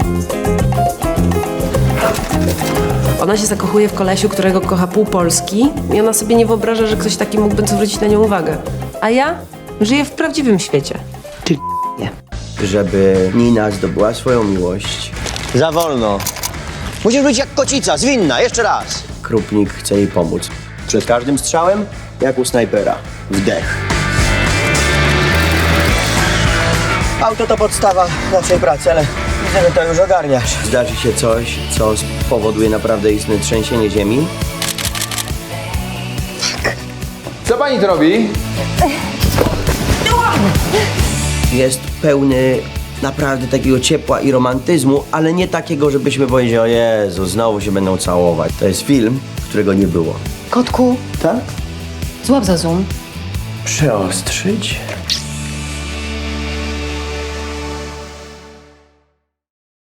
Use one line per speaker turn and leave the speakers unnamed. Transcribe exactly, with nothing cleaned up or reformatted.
Ona się zakochuje w kolesiu, którego kocha pół Polski i ona sobie nie wyobraża, że ktoś taki mógłby zwrócić na nią uwagę. A ja żyję w prawdziwym świecie.
Ty nie. Żeby Nina zdobyła swoją miłość,
Za wolno. Musisz być jak kocica, zwinna, jeszcze raz.
Krupnik chce jej pomóc. Przed każdym strzałem, jak u snajpera. Wdech.
Auto to podstawa naszej pracy, ale widzę, że to już ogarniasz.
Zdarzy się coś, co spowoduje naprawdę istne trzęsienie ziemi.
Co pani tu robi?
Jest pełny naprawdę takiego ciepła i romantyzmu, ale nie takiego, żebyśmy powiedzieli, o Jezu, znowu się będą całować. To jest film, którego nie było.
Kotku,
Tak?
złap za zoom.
Przeostrzyć.